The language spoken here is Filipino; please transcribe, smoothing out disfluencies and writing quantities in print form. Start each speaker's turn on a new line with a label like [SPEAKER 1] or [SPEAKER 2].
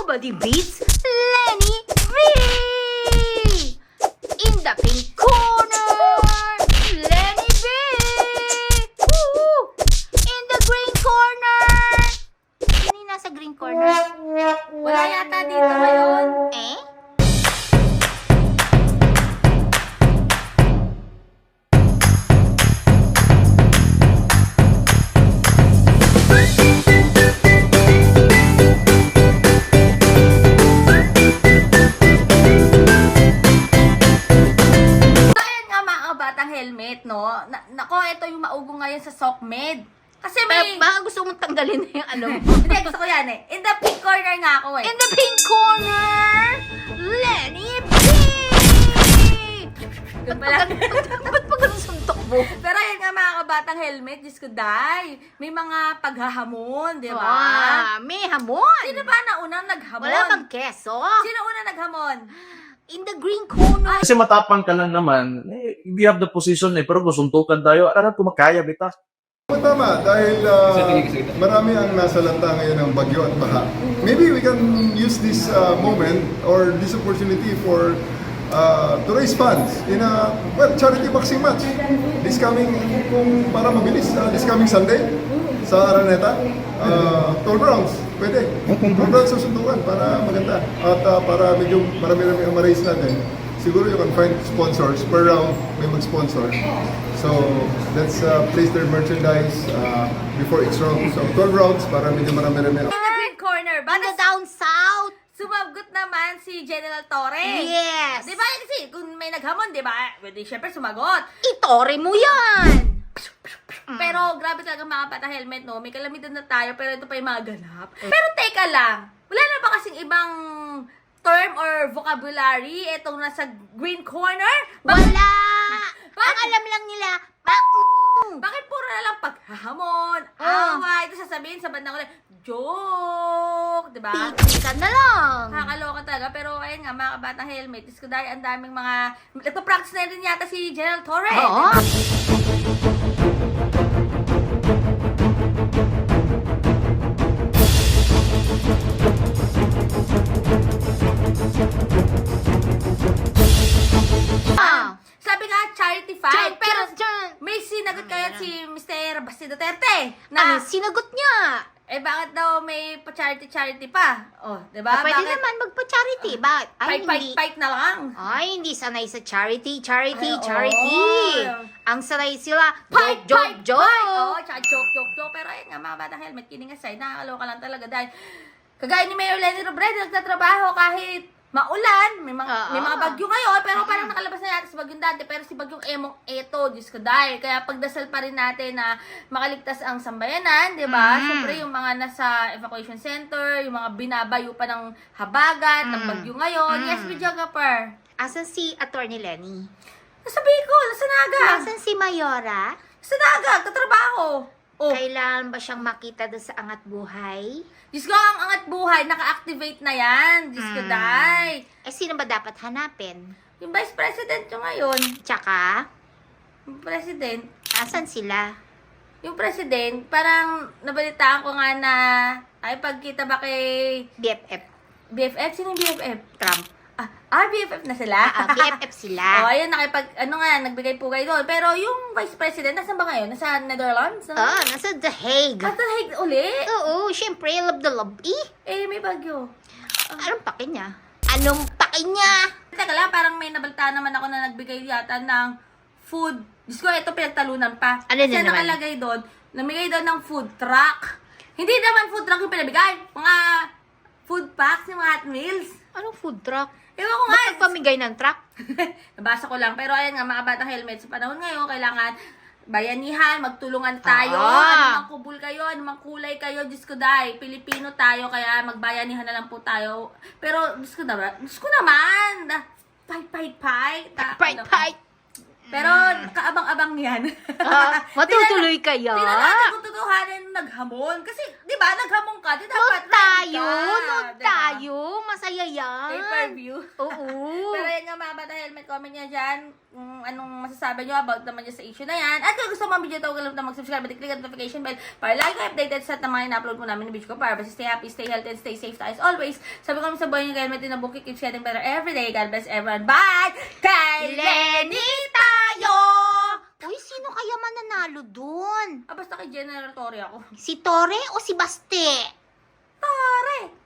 [SPEAKER 1] Nobody beats Lenny V! In the pink corner, Lenny V! Woo! In the green corner! Sino yung nasa green corner?
[SPEAKER 2] Wala yata dito ngayon.
[SPEAKER 1] Eh?
[SPEAKER 2] Helmet, no? Nako, ito yung maugong ngayon sa SOCMED. Kasi may...
[SPEAKER 1] Pero baka gusto mong tanggalin na yung ano mo.
[SPEAKER 2] Hindi, gusto ko yan eh. In the pink corner nga ako eh.
[SPEAKER 1] In the pink corner, Lenny V!
[SPEAKER 2] Doon pala.
[SPEAKER 1] Ba't pa ganun suntok mo?
[SPEAKER 2] Pero yan nga mga kabatang helmet, Diyos ko, day. May mga paghahamon, di ba?
[SPEAKER 1] May hamon!
[SPEAKER 2] Sino ba na unang naghamon?
[SPEAKER 1] Wala bang keso?
[SPEAKER 2] Sino unang naghamon?
[SPEAKER 1] In the green corner.
[SPEAKER 3] Kasi matapang ka lang naman, we have the position pero kung suntukan tayo, alam ko makaya, bita.
[SPEAKER 4] Tama, dahil marami ang nasa lanta ngayon ng bagyo at baha. Maybe we can use this moment or this opportunity for to raise funds in a charity boxing match. This coming, kung para mabilis, this coming Sunday sa Araneta, 12 rounds. Pwede. 12 rounds sa suntukan para maganda. At para medyo marami-rami ang ma-raise natin. Siguro you can find sponsors. Per round, may mag-sponsor. So, let's place their merchandise before each round. So, 12 rounds para medyo marami-rami.
[SPEAKER 2] In the green corner.
[SPEAKER 1] In the down south.
[SPEAKER 2] Sumagot naman si General Torres.
[SPEAKER 1] Yes.
[SPEAKER 2] Di ba? Kasi kung may naghamon, di ba? Pwede syempre sumagot.
[SPEAKER 1] Itore mo yan.
[SPEAKER 2] Pero grabe talaga mga bata helmet, no? May kalamidad na tayo, pero ito pa yung mga ganap. Pero teka lang, wala na ba kasing ibang term or vocabulary itong nasa green corner?
[SPEAKER 1] Wala.
[SPEAKER 2] Bakit?
[SPEAKER 1] Ang alam lang nila,
[SPEAKER 2] Bakit puro na lang paghahamon, away, ito sasabihin sa bandang ulit, joke, di ba?
[SPEAKER 1] Piti ka na lang.
[SPEAKER 2] Nakakaloka talaga, pero ayun nga, mga kabatang helmet, is ko dahil ang daming mga, nagpa-practice na rin yata si General Torres.
[SPEAKER 1] Oo.
[SPEAKER 2] Sabi nga, charity fight, pero may sinagot kaya si Mr. Basti Duterte
[SPEAKER 1] Ano,
[SPEAKER 2] na,
[SPEAKER 1] sinagot niya.
[SPEAKER 2] bakit daw may pa-charity pa? Oh, di ba?
[SPEAKER 1] Pwede
[SPEAKER 2] Bakit?
[SPEAKER 1] naman magpa-charity. Bakit?
[SPEAKER 2] Fight na lang.
[SPEAKER 1] Ay, hindi sanay sa charity.
[SPEAKER 2] Ay,
[SPEAKER 1] Charity.
[SPEAKER 2] oo.
[SPEAKER 1] Ang sanay sila,
[SPEAKER 2] Fight!
[SPEAKER 1] joke.
[SPEAKER 2] Oo, tsaka joke. Pero ayun nga, mga batang helmet, kidding aside, nakakaloka lang talaga dahil kagaya ni Mayor Lenny Robredo, nagtatrabaho kahit maulan, may mga bagyo ngayon, pero parang nakalabas na natin si bagyong dati, pero si bagyong Emong eto, Diyos ko dahil. Kaya pagdasal pa rin natin na makaligtas ang sambayanan, di ba? Siyempre, yung mga nasa evacuation center, yung mga binabayo pa ng habagat, ng bagyo ngayon. Yes, videographer.
[SPEAKER 1] Asan si Attorney Lenny?
[SPEAKER 2] Nasa Bicol, nasa Naga.
[SPEAKER 1] Asan si Mayora?
[SPEAKER 2] Nasa Naga, katrabaho. Oh,
[SPEAKER 1] Kailan ba siyang makita doon sa Angat Buhay?
[SPEAKER 2] Diyos ko, ang angat buhay, naka-activate na yan. Diyos ko, day.
[SPEAKER 1] Eh, sino ba dapat hanapin?
[SPEAKER 2] Yung Vice President yung ngayon.
[SPEAKER 1] Tsaka,
[SPEAKER 2] Yung President.
[SPEAKER 1] asan sila?
[SPEAKER 2] Yung President, parang nabalitaan ko nga na, ay, pagkita ba kay
[SPEAKER 1] BFF.
[SPEAKER 2] BFF? Sino yung BFF?
[SPEAKER 1] Trump.
[SPEAKER 2] BFF na sila?
[SPEAKER 1] BFF sila.
[SPEAKER 2] Oh, ayun, nagbigay po kayo doon. Pero yung Vice President, nasan ba ngayon? Nasa Netherlands? No?
[SPEAKER 1] Nasa The Hague.
[SPEAKER 2] At the uli?
[SPEAKER 1] Oo, syempre, love the love.
[SPEAKER 2] May bagyo.
[SPEAKER 1] Anong pake niya? Anong pake niya?
[SPEAKER 2] Teka lang, parang may nabalitaan naman ako na nagbigay yata ng food. Diyos ko, ito pinagtalunan pa.
[SPEAKER 1] Ano
[SPEAKER 2] Kasi
[SPEAKER 1] din naman?
[SPEAKER 2] nakalagay doon, namigay doon ng food truck. Hindi naman food truck yung pinabigay. Mga food packs, yung mga Hot Meals.
[SPEAKER 1] Anong food truck?
[SPEAKER 2] Ewan ko nga.
[SPEAKER 1] Ba't pamigay ng truck?
[SPEAKER 2] Nabasa ko lang. Pero ayan nga, mga batang helmet. Sa panahon ngayon, kailangan bayanihan, magtulungan tayo. Ano mang kubul kayo, ano mang kulay kayo. Diyos ko dahil, Pilipino tayo, kaya magbayanihan na lang po tayo. Pero, Diyos ko naman. Fight.
[SPEAKER 1] Fight.
[SPEAKER 2] Pero, kaabang-abang yan.
[SPEAKER 1] Matutuloy kaya?
[SPEAKER 2] Tingnan natin kung totohanan naghamon. Kasi, di ba, naghamon ka. Di dapat
[SPEAKER 1] Nood tayo.
[SPEAKER 2] ready ka,
[SPEAKER 1] Nood
[SPEAKER 2] diba?
[SPEAKER 1] tayo. masaya yan.
[SPEAKER 2] Pay-per-view.
[SPEAKER 1] Oo.
[SPEAKER 2] Pero yan nga mga bata helmet, comment nyo dyan kung anong masasabi nyo about naman dyan sa issue na yan. At kung gusto mo ang video ito, huwag kalimutan mag-subscribe at i-click ang notification bell para lagi kayo updated sa mga ina-upload po namin ng video ko para basta stay happy, stay healthy, and stay safe tayo as always. Sabi ko naman sa buhay nyo, helmet din na buki, keeps getting better every day. God bless everyone. Bye! Kay Lenny tayo!
[SPEAKER 1] Uy, sino kaya mananalo dun?
[SPEAKER 2] Basta kay General Torre ako.
[SPEAKER 1] Si Tore o si Baste?
[SPEAKER 2] Tore!